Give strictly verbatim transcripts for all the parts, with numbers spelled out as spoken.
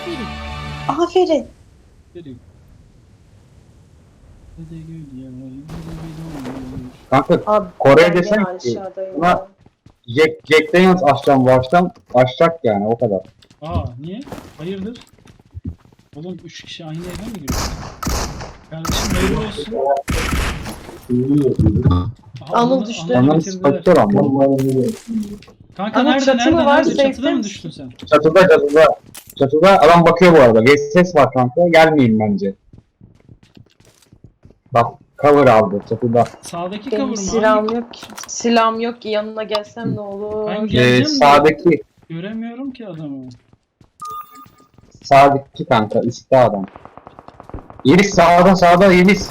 Aferin. Kanka Abi, Kore'ye ben desen gene ki aşağıdayım buna ya. Jack, Jack Daniels açacağım bu açacağım. Açacak yani o kadar. Aa niye? Hayırdır? Oğlum üç kişi aynı eve mi giriyor? Kardeşim hayırlı olsun. Aha, Anıl Anıl'ı- düştü. Anıl'ı Onların bitirdiler. spectre ama. Kanka Ama nerede çatı mı nerede var? nerede? Safe'de Çatıda mı misin? düştün sen? Çatıda çatıda. Çatıda adam bakıyor bu arada. Geç ses var kanka. Gelmeyin bence. Bak cover aldı çatıda. Sağdaki Benim kavurma silahım hangi? yok ki. Silahım yok ki, yanına gelsem ne olur? Ben Ee, geleceğim de sağdaki göremiyorum ki adamı. sağdaki kanka üstte adam. Yeliz sağda sağda Yeliz.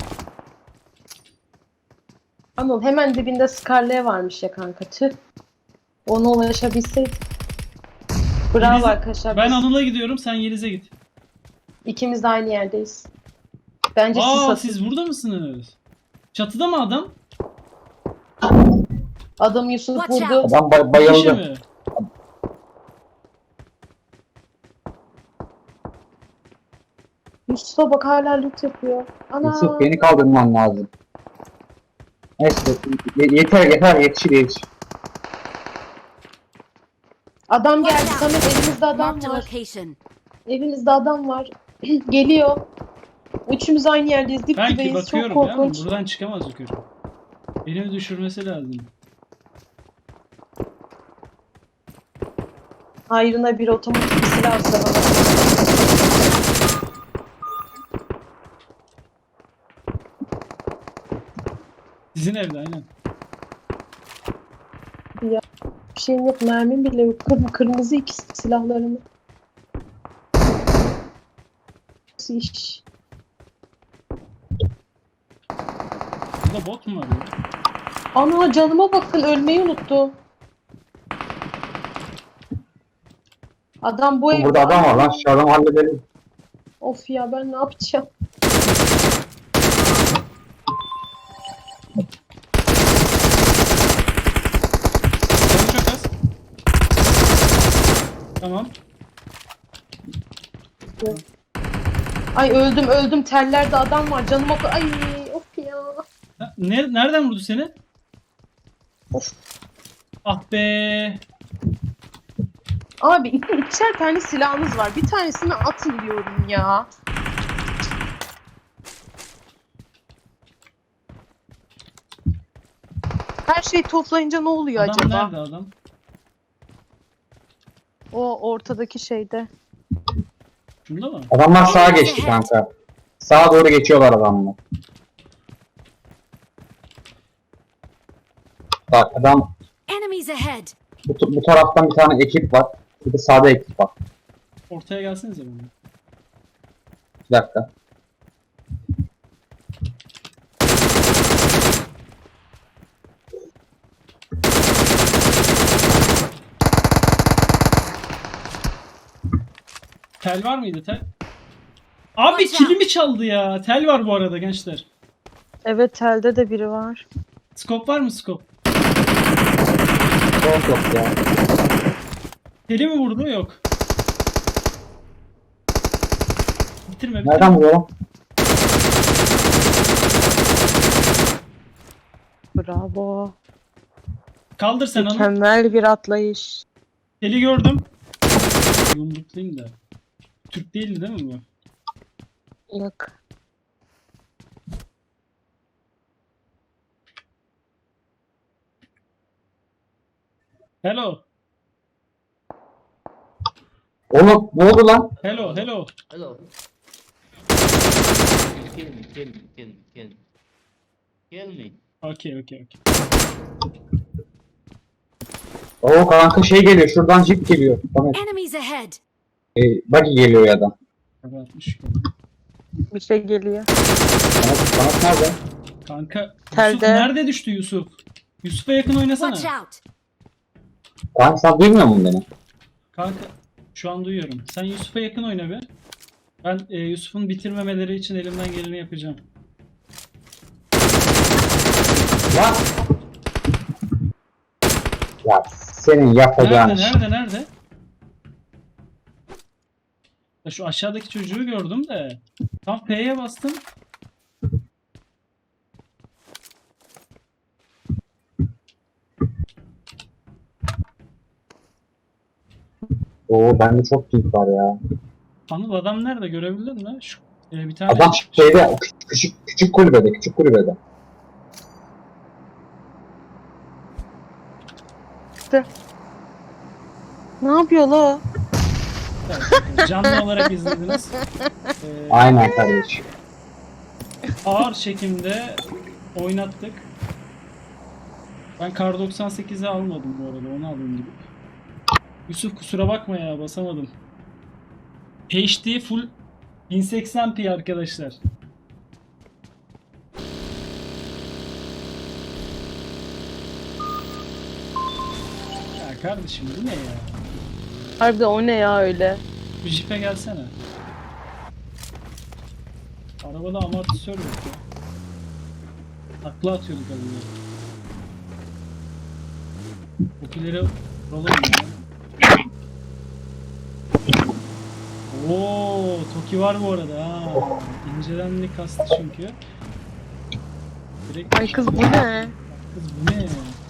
Anıl hemen dibinde Scarlet varmış ya kanka, tüh. Ona ulaşabilseydik. Bravo Yeliz- arkadaşlar. Ben biz Anıl'a gidiyorum, sen Yeliz'e git. ikimiz de aynı yerdeyiz. Bence siz Aa atın. siz burada mısınız? Çatıda mı adam? Adam Yusuf Watch vurdu. out. Adam bay- Bir kişi bayıldı. mi? Yusuf'a bak, hala loot yapıyor. Ana. Yusuf beni kaldırman lazım. Neyse ye- yeter yeter yetişir yetişir. Adam geldi. Watch out. Samet, elimizde adam Marked a var. location. Elimizde adam var. Geliyor. Üçümüz aynı yerdeyiz. Dip Ben ki dibeyiz. Çok bakıyorum ya, korkunç. buradan çıkamaz yukarı. Beni düşürmesi lazım. Hayrına bir otomatik bir silah atsa bana. Sizin evde aynen. Bir şeyim yok. Mermim bile yok. Kır- kırmızı ikisi silahlarımı. Nasıl iş? Burada bot mu var ya? Ana, canıma bakın, ölmeyi unuttum. Adam bu evde. Burada adam var lan şu adamı halledelim. Of ya, ben ne yapacağım? Canı çok az. Tamam. Ay, öldüm öldüm. Tellerde adam var. Canıma bak. Ay of ya. Ha, ne, nereden vurdu seni? Of. Ah be. Abi iki, ikişer tane silahınız var. Bir tanesini atın diyorum ya. Her şeyi toplayınca ne oluyor Adam acaba? nerede adam? O ortadaki şeyde. Şunda mı? Adamlar sağa geçti kanka. Sağa doğru geçiyorlar adamlar. Bak adam Enemies ahead. bu, bu taraftan bir tane ekip var. Bir de sağda ekip var. Ortaya gelsenize bana. Bir dakika. Tel var mıydı tel? Abi Watch out. kilimi çaldı ya. Tel var bu arada gençler. Evet, telde de biri var. Skop var mı skop? Yok yok ya. Teli mi vurdu? Yok. Bitirme bitirme. Nereden vuruyor? Bravo. Kaldır sen onu. Mükemmel bir atlayış. Teli gördüm. Yumruklayayım da. Türk değildi değil mi bu? Yok. Hello. Oğlum ne oldu lan? Hello. Hello. Hello. Kill me, kill me, kill me, kill me. Kill me. Okay, okay, okay. Oo kanka şey geliyor şuradan jip geliyor. Tamam. Enemies ahead. E, buggy geliyor ya da. Kapatmış. Bir şey geliyor. Kanat, kanat nerede? Kanka Yusuf Telde. nerede düştü Yusuf? Yusuf'a yakın oynasana. Watch out. Kanka sen duymuyor musun beni? Kanka şu an duyuyorum. Sen Yusuf'a yakın oyna be. Ben e, Yusuf'un bitirmemeleri için elimden geleni yapacağım. Lan! Ya senin yapacağın Nerede iş. nerede nerede? Ya şu aşağıdaki çocuğu gördüm de. Tam P'ye bastım. Oo bende çok pink var ya. Anıl adam nerede görebildin mi? Şu e, bir tane Adam şeyde o küçük, küçük, küçük kulübede, küçük kulübede. Ne yapıyor la o? canlı olarak izlediniz. E, Aynen kardeşim. ağır çekimde oynattık. Ben Kar doksan sekizi almadım bu arada, onu alayım gibi. Yusuf kusura bakma ya, basamadım. H D full bin seksen p arkadaşlar. Ya kardeşim bu ne ya? Harbiden o ne ya öyle? Bir jipe gelsene. Arabada amortisör yok ya. Takla atıyorduk az önce. Okileri vuralım ya. Oo, Toki var bu arada ha. İncelenlik kastı çünkü. Direkt Ay kız bu ne? Kız bu ne ya?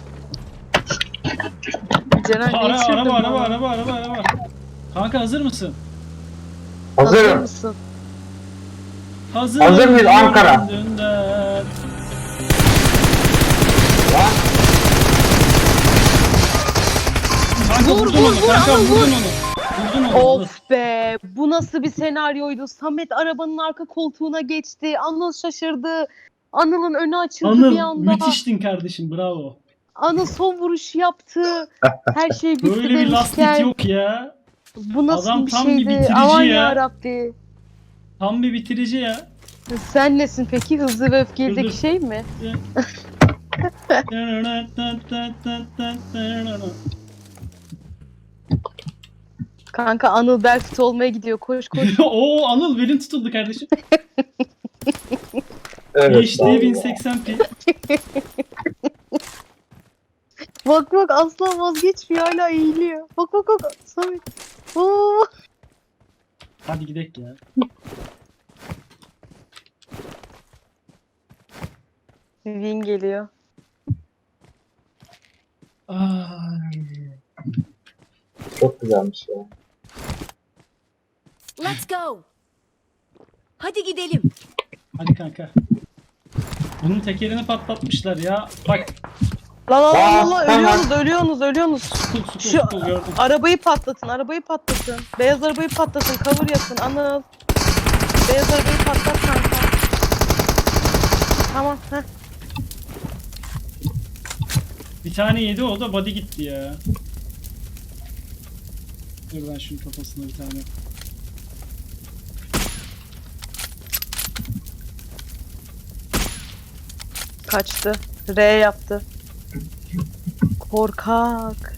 Ceren Ara, geçirdim araba, araba, bana. araba, araba, araba. Kanka hazır mısın? Hazır Hazırım. mısın? Hazır, Hazır mıyız Ankara? Dünden. Lan Kanka Vur, vurdun vur, onu, vur, kanka Anıl, vurdun vur. onu. Vurdun onu. Of be! Bu nasıl bir senaryoydu? Samet arabanın arka koltuğuna geçti. Anıl şaşırdı. Anıl'ın önü açıldı bir Anıl anda. müthiştin kardeşim, bravo. Anıl son vuruşu yaptı. Her şey bitti Böyle bir lastik demişken. yok ya. Bu nasıl Adam bir tam bir şeydi? bitirici Aman ya. yarabbi. Tam bir bitirici ya. Sen nesin peki? Hızlı ve öfkelideki Dur, dur. şey mi? Kanka Anıl Belfit olmaya gidiyor. Koş koş. Oo Anıl belin tutuldu kardeşim. evet. H D bin seksen p. Bak bak asla vazgeçmiyor. Hala eğiliyor. Bak bak bak. Samet. Oo. Hadi gidelim ya. Win geliyor. Ay. Çok güzelmiş ya. Let's go. Hadi gidelim. Hadi kanka. Bunun tekerini patlatmışlar ya. Bak. Lan lan lan Aa, lan tamam. ölüyorsunuz ölüyorsunuz ölüyorsunuz. Sukul sukul Şu sukul gördüm. arabayı patlatın arabayı patlatın. Beyaz arabayı patlatın. Cover yapın Anıl. Beyaz arabayı patlat kanka. Tamam heh. Bir tane yedi, o da body gitti ya. Dur ben şunun kafasına bir tane. Kaçtı. R yaptı. Korkak.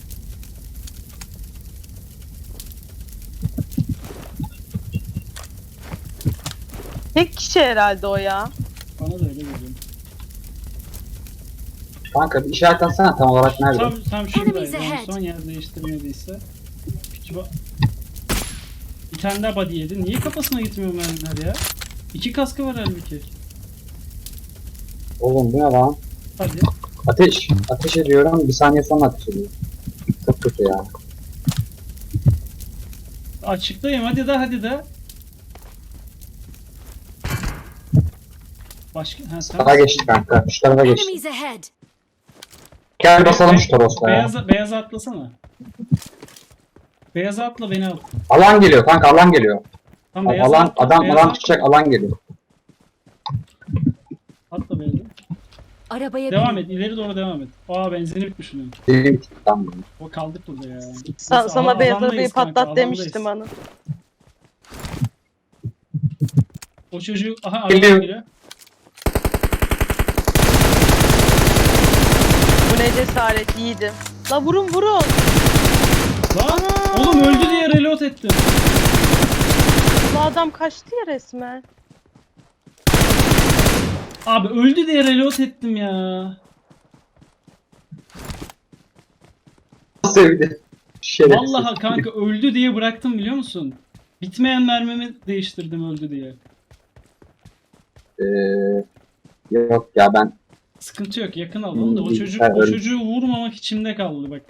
Tek kişi herhalde o ya. Bana da öyle geliyor. Kanka bir işaret atsana tam olarak nerede? Tam, tam şuradaydı. Enemies En ahead. son yer değiştirmediyse. Küçük ba- Bir tane daha body yedi. Niye kafasına gitmiyor mermiler ya? İki kaskı var halbuki. Oğlum bu ne lan? Hadi. Ateş. Ateş ediyorum. Bir saniye sonra ateş ediyor. Çok kötü ya. Açıktayım, hadi de hadi de. Başka... Ha, sen- Sağa geçti kanka. Şu tarafa geçti. Enemies ahead. Gel basalım şu Toros'ta ya. Beyaza, beyaza atlasana. Beyaza atla, beni al. Alan geliyor kanka alan geliyor. Tam beyaza Alan atla, adam beyaza alan atla. çıkacak alan geliyor. Atla beyaza. Arabaya Devam bin. et, ileri doğru devam et. Aa benzini bitmiş bunun. Benim tamam. O kaldık burada ya. Sa- Biz sana alan- beyaz arabayı alandayız kanka, patlat alandayız. demiştim Anıl. O çocuğu... Aha araba Geliyor. geliyor. Bu ne cesaret yiğidim. La vurun vurun. Lan oğlum öldü diye reload ettim. Bu adam kaçtı ya resmen. Abi öldü diye reload ettim ya. Sevdi. Şerefsiz. Vallahi kanka öldü diye bıraktım biliyor musun? Bitmeyen mermimi değiştirdim öldü diye. Ee, yok ya ben Sıkıntı yok, yakın alalım da o Hmm, çocuk ben o öyle- çocuğu vurmamak içimde kaldı bak.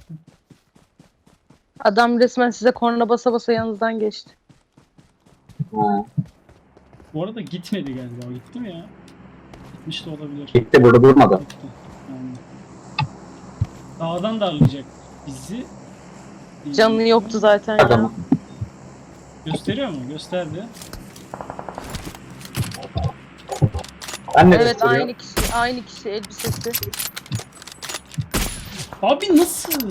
Adam resmen size korna basa basa yanınızdan geçti. ha, Bu arada gitmedi galiba. Gitti mi ya? Gitmiş de olabilir. gitti burada durmadı. Gitti. Yani. Dağdan darlayacak bizi. Canı yoktu zaten ya. Adamı. Gösteriyor mu? Gösterdi. Ben ne Evet gösteriyor? aynı kişi, aynı kişi elbisesi. Abi nasıl?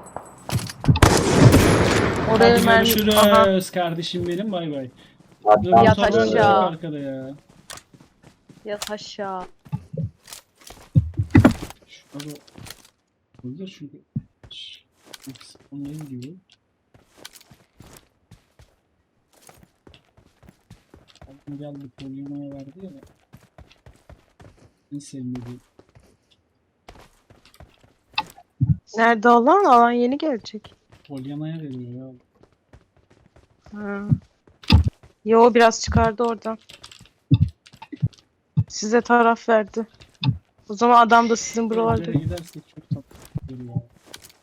Oraya Hadi mermi... görüşürüz Aha. kardeşim benim. Bay bay. Hadi, Dur, tamam. Yat motorlar aşağı. çok arkada ya. Yat aşağı. Şurada Burada çünkü onların gibi. Aklıma geldi Polyana'ya verdi ya. En sevmediğim. Nerede olan? Alan yeni gelecek. Polyana'ya veriyor ya. Ha. Yo biraz çıkardı oradan. Size taraf verdi. O zaman adam da sizin buralarda. Evlere gidersek çok tatlı olur ya.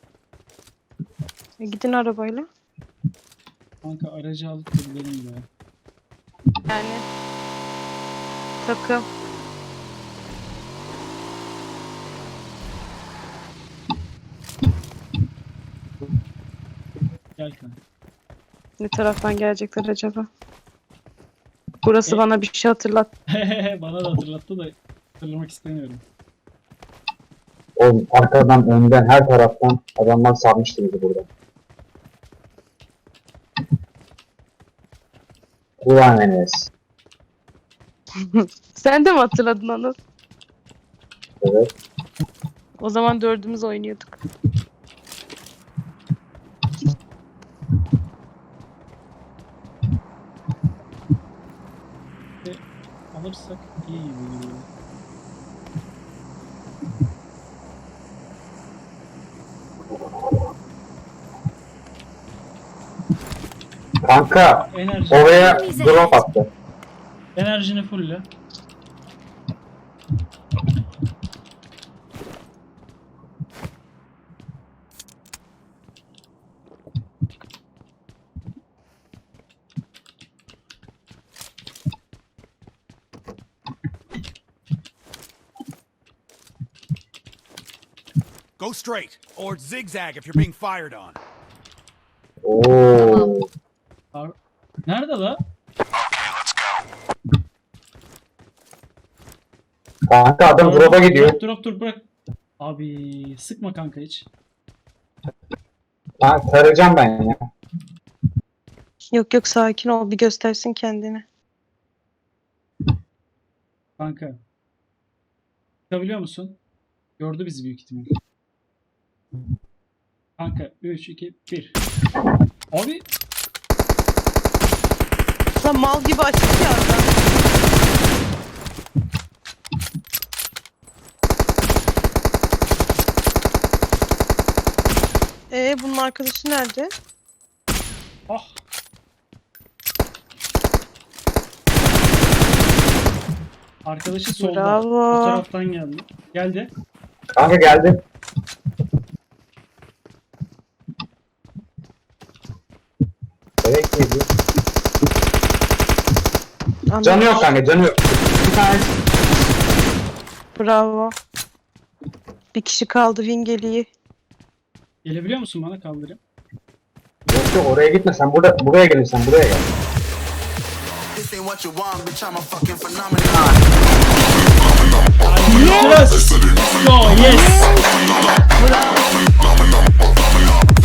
E, gidin arabayla. Kanka aracı alıp gidelim ya. Yani takım. Gel kanka. Ne taraftan gelecekler acaba? Burası E- bana bir şey hatırlat. Bana da hatırlattı da hatırlamak istemiyorum. Oğlum arkadan, önden, her taraftan adamlar sarmıştı bizi burada. Ulan Enes. Sen de mi hatırladın onu? Evet. O zaman dördümüz oynuyorduk. Alırsak iyi gibi geliyor. Kanka Enerji. oraya drop attı. Enerjini fulle. Go straight, or zigzag if you're being fired on. Oo. Ar- Nerede la? Kanka adam drop'a gidiyor. Drop drop dur bırak. Abi sıkma kanka hiç. Ha, tarayacağım ben ya. Yok yok sakin ol bir göstersin kendini. Kanka. Çıkabiliyor musun? Gördü bizi büyük ihtimal. Kanka üç iki bir. Abi Sen mal gibi açık ya adam. Ee bunun arkadaşı nerede? ah. Arkadaşı solda. Bravo. Bu taraftan geldi. Geldi. Kanka geldi. Evet miydi? Anladım. Canı yok kanka, canı yok. Bir tane Bravo. Bir kişi kaldı Vingeli'yi. Gelebiliyor musun bana kaldırayım? yok yok, oraya gitme, sen burada, buraya gelirsen buraya gel. This ain't what you want, bitch. I'm a fucking phenomenon. Yes! Go yes!